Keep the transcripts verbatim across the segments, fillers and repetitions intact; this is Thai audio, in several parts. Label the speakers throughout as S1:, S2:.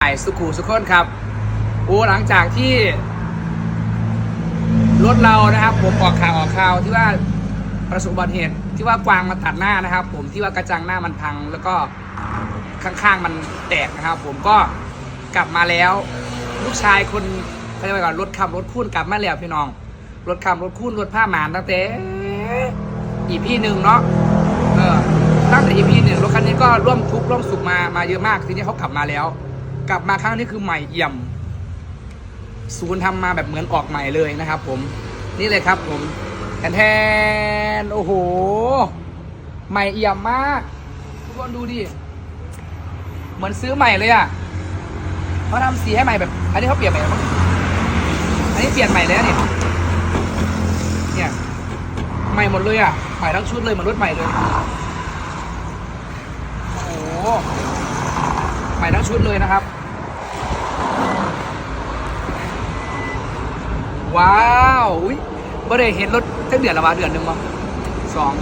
S1: สุขุสุขคนครับโอ้หลังจากที่รถเรานะครับผมออกข่าวออกข่าวที่ว่าประสบอุบัติเหตุที่ว่ากวางมาตัดหน้านะครับผมที่ว่ากระจังหน้ามันพังแล้วก็ข้างๆมันแตกนะครับผมก็กลับมาแล้วลูกชายคนเขาจะไปก่อนรถขับรถคุ้นกลับมาแล้วพี่น้องรถขับรถคุ้นรถผ้าหมานตั้งแต่อีพีหนึ่งเนาะเออตั้งแต่อีพีหนึ่งรถคันนี้ก็ร่วมทุกข์ร่วมสุขมามาเยอะมากทีนี้เขากลับมาแล้วกลับมาครั้งนี้คือใหม่เอี่ยมศูนย์ทำมาแบบเหมือนออกใหม่เลยนะครับผมนี่เลยครับผมแทนแทนโอ้โหใหม่เอี่ยมมากทุกคนดูดิเหมือนซื้อใหม่เลยอ่ะเขาทำสีให้ใหม่แบบอันนี้เขาเปลี่ยนใหม่แล้วมั้งอันนี้เปลี่ยนใหม่แล้วเนี่ยเนี่ยใหม่หมดเลยอ่ะใหม่ทั้งชุดเลยเหมือนรถใหม่เลยโอ้โหใหม่ทั้งชุดเลยนะครับว้าวอุ้ยบ่ได้เห็นรถตั้งเดือนละวะเดือนหนึ่งมั้งสอง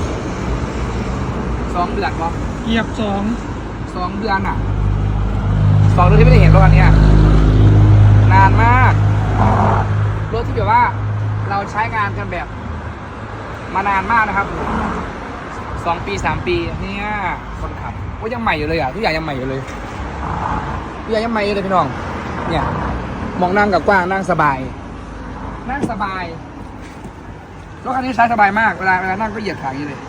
S1: สองเดือนมั้ง
S2: เหยียบสอง
S1: สองเดือนอ่ะสองเดือนที่ไม่ได้เห็นรถคันนี้นานมากรถที่แบบว่าเราใช้งานกันแบบมานานมากนะครับสองปีสามปีเนี่ยคนขับก็ยังใหม่อยู่เลยอ่ะทุกอย่างยังใหม่อยู่เลยทุกอย่างยังใหม่อยู่เลยพี่น้องเนี่ยมองนั่งกับกว้างนั่งสบายนั่งสบายรถคันนี้ใช้สบายมากเวลาเวลานั่งก็เหยียดขาอย่างนี้เลย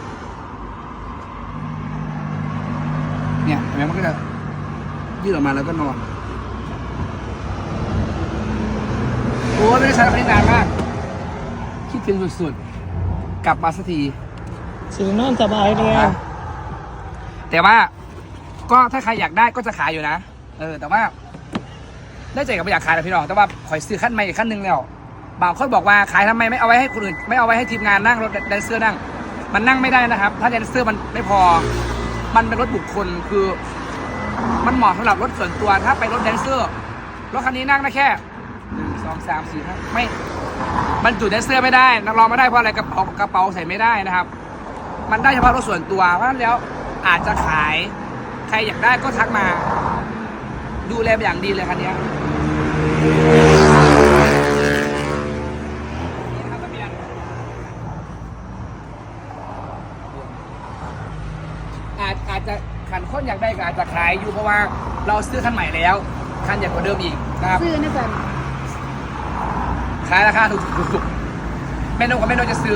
S1: เนี่ยเห็นไหมมันก็จะยืดออกมาแล้วก็นอนโอ้ไม่ได้ใช้รถคันนี้นานมากคิดถึงสุดๆกลับมาสักที
S2: สีนอนสบายเลย
S1: แต่ว่าก็ถ้าใครอยากได้ก็จะขายอยู่นะเออแต่ว่าได้ใจกับไม่อยากขายนะพี่น้องแต่ว่าขอซื้อขั้นใหม่อีกขั้นหนึ่งแล้วบางคนบอกว่าขายทำไมไม่เอาไว้ให้คนอื่นไม่เอาไว้ให้ทีมงานนั่งรถแดนเซอร์นั่งมันนั่งไม่ได้นะครับถ้าแดนเซอร์มันไม่พอมันเป็นรถบุคคลคือมันเหมาะสำหรับรถส่วนตัวถ้าไปรถแดนเซอร์รถคันนี้นั่งได้แค่หนึ่งสองสามสี่ห้าไม่มันจุดแดนเซอร์ไม่ได้นักร้องไม่ได้เพราะอะไรกระเป๋ากระเป๋าใส่ไม่ได้นะครับมันได้เฉพาะรถส่วนตัวเพราะฉะนั้นแล้วอาจจะขายใครอยากได้ก็ทักมาดูแลอย่างดีเลยคันนี้อาจอาจจะขันคนอยากได้ก็อาจจะขายอยู่เพราะว่าเราซื้อคันใหม่แล้วคันใหญ่กว่าเดิมอีกนะครับ
S3: ซื้อนะจ๊ะ
S1: ขายราคาถูกๆแม่นกกับแม่นกจะซื้อ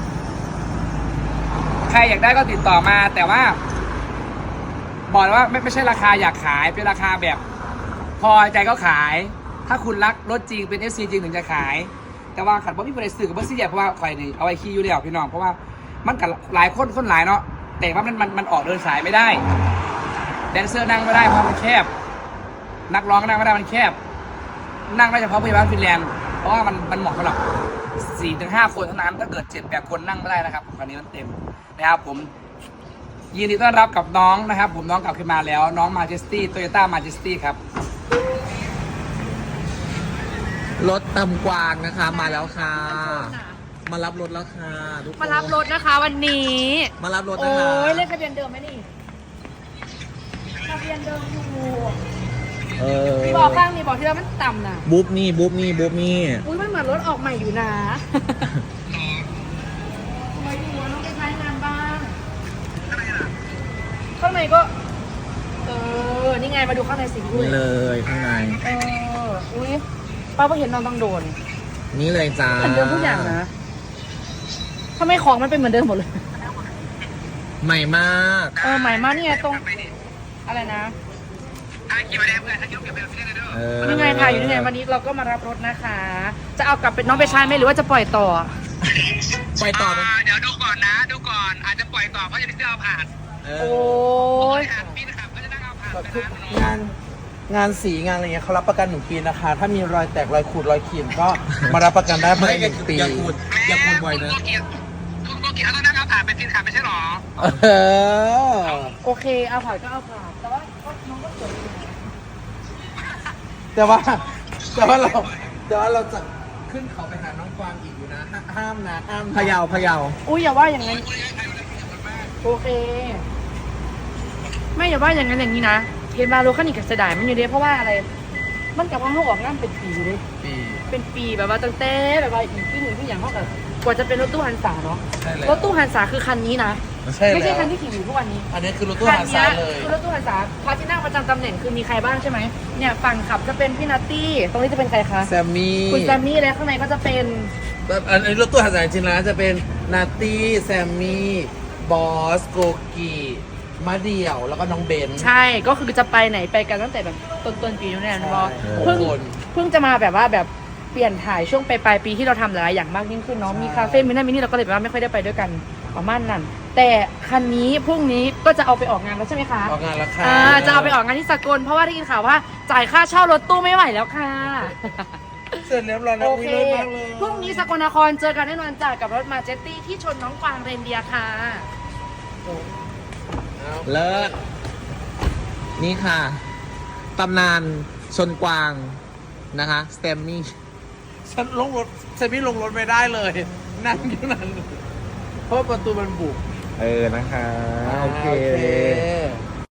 S1: ใครอยากได้ก็ติดต่อมาแต่ว่าบอกว่าไม่ไม่ใช่ราคาอยากขายเป็นราคาแบบพอใจก็ขายถ้าคุณรักรถจริงเป็น เอฟ ซี จริงถึงจะขายแต่ว่าขันบ่มีคนใดซื้อกับบ่ซื้อใหญ่เพราะว่าข่อยนี่เอาไว้ขี่อยู่แล้วพี่น้องเพราะว่ามันกับหลายคนคนหลายเนาะแต่ว่ามันมันมันออกเดินสายไม่ได้แดนเซอร์นั่งไม่ได้เพราะมันแคบนักร้องนั่งไม่ได้มันแคบนั่งได้เฉพาะพยาบาลฟินแลนด์เพราะว่ามันมันเหมาะสำหรับสี่ถึงห้าคนเท่านั้นถ้าเกิดเจ็ดแปดคนนั่งไม่ได้นะครับคันนี้มันเต็มนะครับผมยินดีต้อนรับกับน้องนะครับผมน้องกลับขึ้นมาแล้วน้องมาเจสตี้โตโยต้ามาเจสตี้ครับ
S4: รถตำกวางนะคะมาแล้วค่ะมารับรถแล้วค่ะทุกคน
S3: มารับรถนะคะวันนี้
S4: มารับรถนะ
S3: โอ้
S4: คะ
S3: ยเลขทะเบียนเดิมไหมนี่ทะเบียนเดิมอยู่
S4: เออ
S3: บอกข้างนี้บอกที่เรามันต่ำนะ
S4: บุ๊บนี่บุ๊บนี่บุ๊บนี่
S3: อุ้ยมันเหมือนรถออกใหม่อยู่นะทำไมดีวะน้องไปใช้งานบ้างข้างในก็เออนี่ไงมาดูข้างในสิคุณ
S4: นี่เลยข้างใน
S3: เอออุ้ยป้าเพิ่งเห็นน้องต้องโดน
S4: นี่เลยจ้า
S3: เหมือนเดิมทุกอย่างนะทำไมของมันเป็นเหมือนเดิมหมดเลย
S4: ใหม่มาก
S3: เออใหม่มากนี่ไงตรงอะไรนะ
S4: เออ
S3: นี่ไงถ่ายอยู่นี่ไงวันนี้เราก็มารับรถนะคะ จะเอากลับเป็นน้องไปใช้ไหมหรือว่าจะปล่อยต่อ
S4: ไปต่อไหม
S1: เดี๋ยวดูก่อนนะดูก่อนอาจจะปล่อยต่อเพราะจะได้เอาผ่าน
S4: เอ
S3: โอ้
S4: อย
S1: ปีนะครับก็จะนั่งเอาผ่าน
S5: ทุกงานงานสีงานอะไรเงี้ยเขารับประกันหนึ่งปีนะคะ ถ้ามีรอยแตกรอยขูดรอยขีดก็มารับประกันได้ภายในหนึ่งปี
S4: อย่าพูดอย่าพูดบ่อยนะ
S1: คุณโกกิเขาต้องนั่งเอาผ่านเป็นปีนะครับไม่ใช่หรอ
S5: เออ
S3: โอเคเอาผ่านก็เอาผ่านแต่ว่าก็น้องก็สวยอยู่นะ
S5: แต่ว่าแต่ว่าเราแต่ว่าเราจะขึ้นเขาไปหาน้องกวางอีกอยู่นะห้าห้ามนะห้ามนะ
S4: พะเยาพะเยา
S3: อุ้ยอย่าว่าอย่างนั้นโอเค ไม่อย่าว่าอย่างนั้นอย่างนี้นะ เทเห็นมารถคันนี้ก็เสียดายมันอยู่เด้เพราะว่าอะไร มันกับว่าเขาออกงานเป็นปีเลย
S5: ปี
S3: เป็นปีแบบว่าตั้งแต่แบบว่าอีกที่หนึ่งที่อย่างเขากับกว่าจะเป็นรถตู้ฮันสาเนาะ
S5: ใช่แล้ว
S3: รถตู้ฮันสาคือคันนี้นะ
S5: ใช่แล้ว
S3: ไม่ใช่คันที่ขี่อยู่ทุกวันนี้
S5: อันนี้คือรถตู้
S3: คั
S5: หาซา
S3: นี้
S5: เลย
S3: คือรถตู้ฮันสาพาที่นั่งประจำตำแหน่งคือมีใครบ้างใช่ไหมเนี่ยฝั่งขับจะเป็นพี่นัตตี้ตรงนี้จะเป็นใครคะ
S5: แซมมี่
S3: คุณแซมมี่และข้างในก็จะเป็น
S5: อันนี้รถตู้หาซาจริงๆนะจะเป็นนาตี้แซมมี่บอสโกกีมาเดี่ยวแล้วก็น้องเบน
S3: ใช่ก็คือจะไปไหนไปกันตั้งแต่แบบต้นต้นๆปีนู้นแน่นอน
S5: ใช่
S3: เพิ่ง
S5: หกคน
S3: เพิ่งจะมาแบบว่าแบบเปลี่ยนถ่ายช่วงปลายๆปีที่เราทำหลายๆอย่างมากยิ่งขึ้นเนาะ
S5: ใช่
S3: มีคาเฟ่มินั่นมินี่เราก็เลยแบบว่าไม่ค่อยได้ไปด้วยกันประมาณนั้นแต่คันนี้พรุ่งนี้ก็จะเอาไปออกงานแล้วใช่ไหมคะ
S5: ออกงานแล้วค่ะ
S3: อ่าจะเอาไปออกงานที่สกลเพราะว่าได้ยินข่าวว่าจ่ายค่าเช่ารถตู้ไม่ไหวแล้วค่ะ
S5: เสร็จเรียบร้อยแล้ว
S3: โอ
S5: วิ
S3: เค
S5: เลยมากเลย
S3: พรุ่งนี้สกลนครเจอกันแน่นอนจ้ะกับรถมาเจตตี้ที่ชนน้องกวางเรนเดียร์ค่ะ
S5: เอา
S4: เลิศนี่ค่ะ ตำนานชนกวางนะคะสเตมมี่
S5: ฉันลงรถแซมมี่ลงรถไม่ได้เลย นั่งอยู่นั่นเพราะประตูมันบุก
S4: เออนะคะ โอเค
S5: โอเค